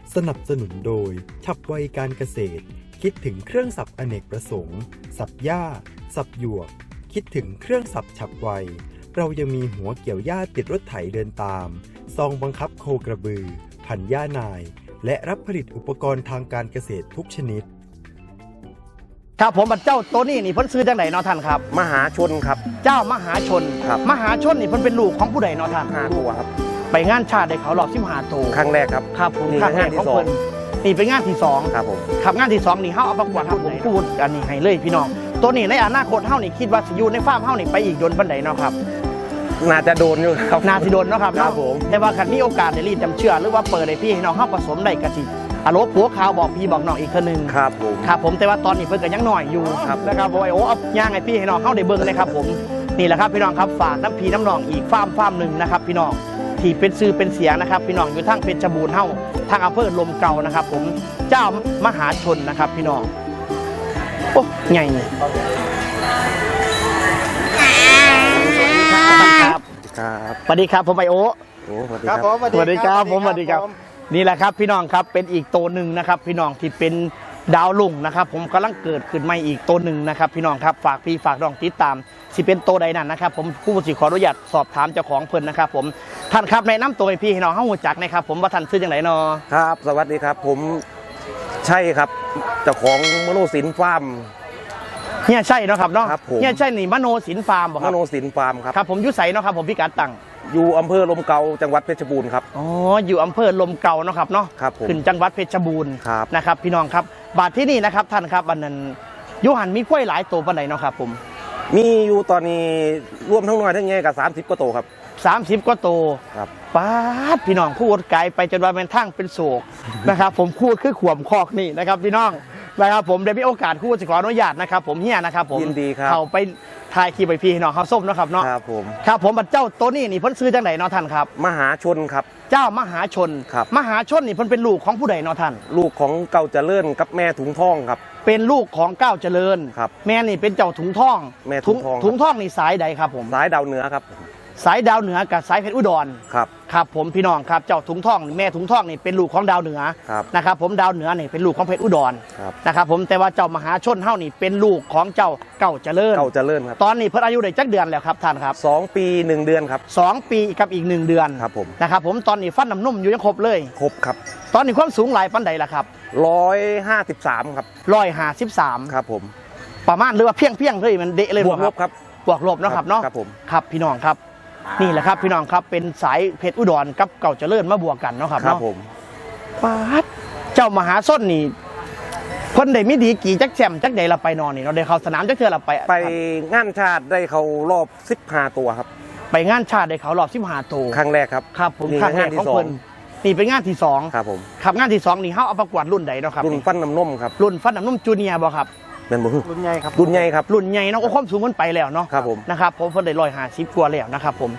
สนับสนุนโดยฉับไวการเกษตรคิดถึงเครื่องสับอเนกประสงค์สับหญ้าสับหยวกคิดถึงเครื่องสับฉับไวเรายังมีหัวเกี่ยวหญ้าติดรถไถเดินตามซองบังคับโคกระบือพันหญ้านายและรับผลิตอุปกรณ์ทางการเกษตรทุกชนิดครับผมเจ้าตัวนี้นี่เพิ่นซื้อจังไหนเนาะท่านครับมหาชนครับเจ้ามหาชนครับมหาชนนี่เพิ่นเป็นลูกของผู้ใดเนาะท่าน 5 ตัวครับไปงานชาติได้เขารอบ15ตัวครั้งแรกครับครับผมครั้งแรกของเพิ่นนี่เป็นงานที่2 ครับผมครับงานที่2นี่เฮาเอาประกวดครับผมพูดอันนี้ให้เลยพี่น้องตัวนี้ในอนาคตเฮานี่คิดว่าสิอยู่ในฟาร์มเฮานี่ไปอีกโดนปานใดเนาะครับน่าจะโดนอยู่ครับน่าสิโดนเนาะครับครับผมแต่ว่าคันมีโอกาสได้รีดจำเชื่อหรือว่าเปิดให้พี่ให้น้องเฮาผสมได้ก็สิอโลผัวขาวบอกพี่บอกน้องอีกคนนึงครับผมครับผมแต่ว่าตอนนี้เพิ่นก็ยังน้อยอยู่นะครับโอ้เอาย่างให้พี่ให้น้องเฮาได้เบิ่งเลยครับผมนี่แหละครับพี่น้องครับฝากน้ำพี่น้ำน้องอีกฟาร์มหนึ่งนะครับพี่น้องที่เป็นซื้อเป็นเสียงนะครับพี่น้องอยู่ทางเพชรบูรณ์เฮาทางอำเภอลมเก่านะครับผมเจ้ามหาชนนะครับพี่น้องโอ้ใหญ่ครับสวัสดีครับผมไอโอสวัสดีครับสวัสดีครับผมสวัสดีครับนี่แหละครับพี่น้องครับเป็นอีกตัวหนึ่งนะครับพี่น้องที่เป็นดาวลุ่งนะครับผมกำลังเกิดขึ้นใหม่อีกตัวหนึ่งนะครับพี่น้องครับฝากพี่ฝากน้องติดตามสิเป็นตัวใดนั่นนะครับผมผู้สิขออนุญาตสอบถามเจ้าของเพิ่นนะครับผมท่านครับแนะนำตัวให้พี่ให้น้องเข้าหูจักนะครับผมว่าท่านซื้ออย่างไรเนาะครับสวัสดีครับผมใช่ครับเจ้าของมโนศิลป์ฟาร์มเนี่ยใช่เนาะครับเนาะเนี่ยใช่นี่มโนศิลป์ฟาร์มมโนศิลป์ฟาร์มครับครับผมอยู่ไสเนาะครับผมพิกัดตั้งอยู่อำเภอลมเก่าจังหวัดเพชรบูรณ์ครับอ๋ออยู่อำเภอลมเก่าเนาะครับเนาะครับผมขึ้นจังหวัดเพชรบูรณ์นะครับพี่น้องครับบาทที่นี่นะครับท่านครับอันนั้นยูหันมีกล้วยหลายตัวปานใดเนาะครับผมมีอยู่ตอนนี้รวมทั้งน้อยทั้งใหญ่กับ30 กว่าตัวครับ 30 กว่าตัวครับป้าดพี่น้องพูดไกลไปจนว่าเป็นทั้งเป็นโศกนะครับผมพูดคือขวมคอกนี่นะครับพี่น้องนะครับผมได้มีโอกาสพูดขออนุญาตนะครับผมเฮียนะครับผมยินดีครับเขาไปถ่ายคลิปไปพี่น้องเขาส้มนะครับเนาะครับผมครับผมเจ้าตัวนี้นี่เพิ่นซื้อจังไหนเนาะท่านครับมหาชนครับเจ้ามหาชนครับมหาชนนี่เพิ่นเป็นลูกของผู้ใดเนาะท่านลูกของเก่าเจริญกับแม่ถุงทองครับเป็นลูกของก้าวเจริญครับแม่นี่เป็นเจ้าถุงทองแม่ถุงทองนี่สายใดครับผมสายดาวเหนือครับสายดาวเหนือกับสายเพชรอุดรครับครับผมพี่น้องครับเจ้าถุงทองแม่ถุงทองนี่เป็นลูกของดาวเหนือนะครับผมดาวเหนือนี่เป็นลูกของเพชรอุดรนะครับผมแต่ว่าเจ้ามหาชนเฮานี่เป็นลูกของเจ้าเก่าเจริญครับตอนนี้เพิ่นอายุได้จักเดือนแล้วครับท่านครับ 2 ปี 1 เดือนครับ 2 ปีกับอีก1 เดือนครับผมนะครับผมตอนนี้ฟันน้ำนุ่มอยู่ยังครบเลยครบครับตอนนี้ความสูงหลายปานใดล่ะครับ 153ครับ 153 ครับผมประมาณหรือว่าเพียงเลยมันเดะเลยบวกลบครับบวกลบเนาะครับเนาะครับผมครับพี่น้องครับนี่แหละครับพี่น้องครับเป็นสายเพชรอุดรกับเก่าเจริญมาบวกกันเนาะครับครับผมป้าดเจ้ามหาส้นนี่คนใดไม่ดีกี่จักแชมจักใดเราไปนอนนี่เราได้เข้าสนามจักเทื่อเราไปงานชาติได้เขารอบ15 ตัวครับไปงานชาติได้เขารอบ15 ตัวครั้งแรกครับครับผมครั้งแรกของเพิ่นนี่เป็นงานที่2 ครับผมครับงานที่2นี่เฮาเอาประกวดรุ่นใดเนาะครับรุ่นฟันน้ำนมครับรุ่นฟันน้ำนมจูเนียร์บ่ครับเป็นบ่รุ่นใหญ่ครับรุ่นใหญ่ครับรุ่นใหญ่เนาะความสูงมันไปแล้วเนาะครับผมนะครับผมเพิ่นได้150กว่าแล้วนะครับผม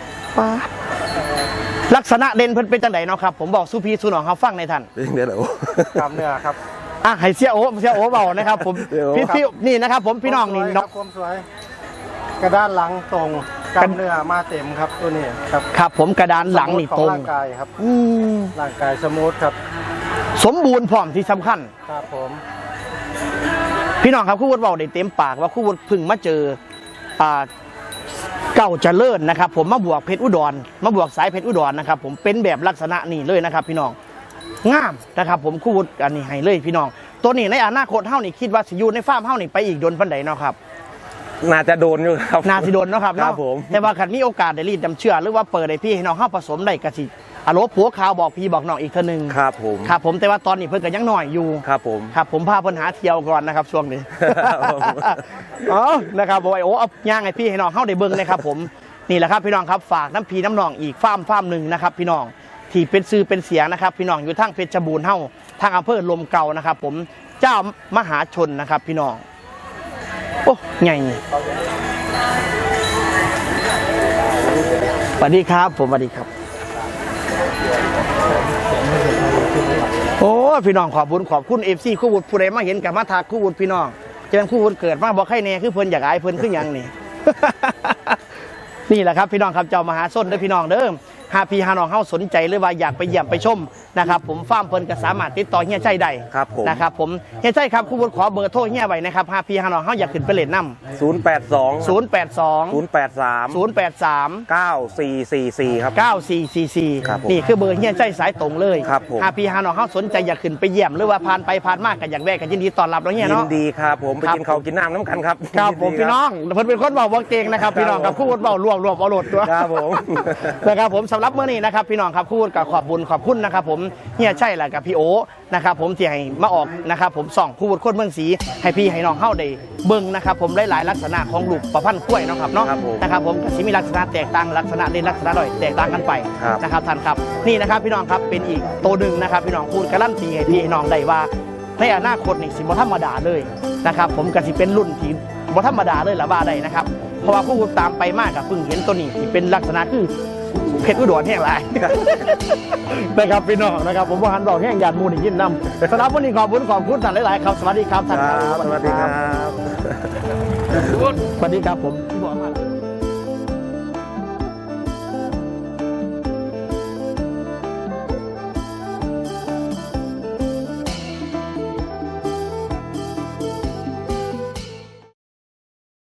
ลักษณะเด่นเพิ่นเป็นจังไดเนาะครับผมบอกสุพีสุนองเขาฟังในท่านเดี๋ยวกล้ามเนื้อครับให้เสียโอเบานะครับผมพี่นี่นะครับผมพี่น้องนี่น้องความสวยกระด้านหลังตรงกล้ามเนื้อมาเต็มครับตัวนี้ครับครับผมกระดานหลังนี่ตรงร่างกายครับร่างกายสมูทครับสมบูรณ์พร้อมที่สำคัญครับผมพี่น้องครับคู่วุฒิเบาได้เต็มปากว่าคู่วุฒิพึ่งมาเจอเก่าเจริญนะครับผมมาบวกเพชรอุดรมาบวกสายเพชรอุดรนะครับผมเป็นแบบลักษณะนี้เลยนะครับพี่น้องงามนะครับผมคู่วุฒิอันนี้ให้เลยพี่น้องตัวนี้ในอนาคตเฮานี่คิดว่าสิอยู่ในฟาร์มเฮานี่ไปอีกโดนปานใดเนาะครับน่าจะโดนอยู่ครับน่าสิโดนเนาะครับครับผมแต่ว่าคันมีโอกาสได้รีดจำเชื่อหรือว่าเปิดให้พี่ให้น้องเฮาผสมได้ก็สิอโลผัวขาวบอกพี่บอกน้องอีกทีนึงครับผมครับผมแต่ว่าตอนนี้เพิ่นก็ยังน้อยอยู่ครับผมครับผมพาเพิ่นหาเที่ยวก่อนนะครับช่วงนี้อ๋อนะครับโอ้เอาย่างให้พี่ให้น้องเฮาได้เบิ่งนะครับผมนี่แหละครับพี่น้องครับฝากน้ำพีน้ำนองอีกฟาร์มหนึ่งนะครับพี่น้องที่เป็นซื้อเป็นเสียงนะครับพี่น้องอยู่ทางเพชรบูรณ์เฮาทางอำเภอลมเก่านะครับผมเจ้ามหาชนนะครับพี่น้องโอ้ใหญ่สวัสดีครับผมสวัสดีครับโอ้พี่น้องขอบคุณFCคู่วุฒิผู้ใดมาเห็นกับมาทักคู่วุฒิพี่น้องจะเป็นคู่วุฒิเกิดมาบอกให้แน่คือเพิ่นอยากอายเพิ่นคือหยังนี่นี่แหละครับพี่น้องครับเจ้ามหาส้นเด้อพี่น้องเด้อหาพี่หาน้องเฮาสนใจหรือว่าอยากไปเยี่ยมไปชมนะครับผมฟาร์มเพิ่นก็สามารถติดต่อเฮียชัยได้ครับผมนะครับผมเฮียชัยครับครูวุฒิขอเบอร์โทรเฮียไว้นะครับหาพี่หาน้องเฮาอยากขึ้นไปเล่นน้ำ 082 082 083 083 9444ครับ 9444 ครับผมนี่คือเบอร์เฮียชัยสายตรงเลยครับผมหาพี่หาน้องเฮาสนใจอยากขึ้นไปเยี่ยมหรือว่าผ่านไปผ่านมาก็อยากแวะก็ยินดีต้อนรับเนาะเฮียยินเนาะดีครับผมไปครับกินข้าวกินน้ำน้ำกันครับครับผมยิดีพี่น้องเพิ่นเป็นคนเบาเก่งนะครับพี่น้องครับครูวุฒิเบารวบเอาโหลดตัวครับผมนะครับผมสำหรับเมื่อนี้นะครับพี่น้องครับพูดกับขอบคุณนะครับผมเฮียใช่แหละกับพี่โอนะครับผมที่ให้มาออกนะครับผมส่องพูดคนเมืองศรีให้พี่ให้น้องเข้าได้เบิ่งนะครับผมหลายๆลักษณะของลูกประพันธ์กล้วยเนาะครับเนาะครับผมนะครับผมก็สิมีลักษณะแตกต่างลักษณะเด่นลักษณะด้อยแตกต่างกันไปครับนะครับท่านครับนี่นะครับพี่น้องครับเป็นอีกตัวหนึ่งนะครับพี่น้องพูดการันตีให้พี่ให้น้องได้ว่าในอนาคตนี่สิบ่ธรรมดาเลยนะครับผมก็สิเป็นรุ่นที่บ่ธรรมดาเลยละว่าได้นะครับเพราะว่าผู้ตามไปมากกับเพิ่งเห็นตัวนี้ที่เป็นลักษณะคือเพชรอุดรแห้งหลาย นะครับพี่น้องนะครับผมว่าหันดอกแห้งหยาดมูลอีกยินนำสำหรับวันนี้ขอบคุณท่านหลายๆครับสวัสดีครับท่านครับสวัสดีครับสวัสดีครับผม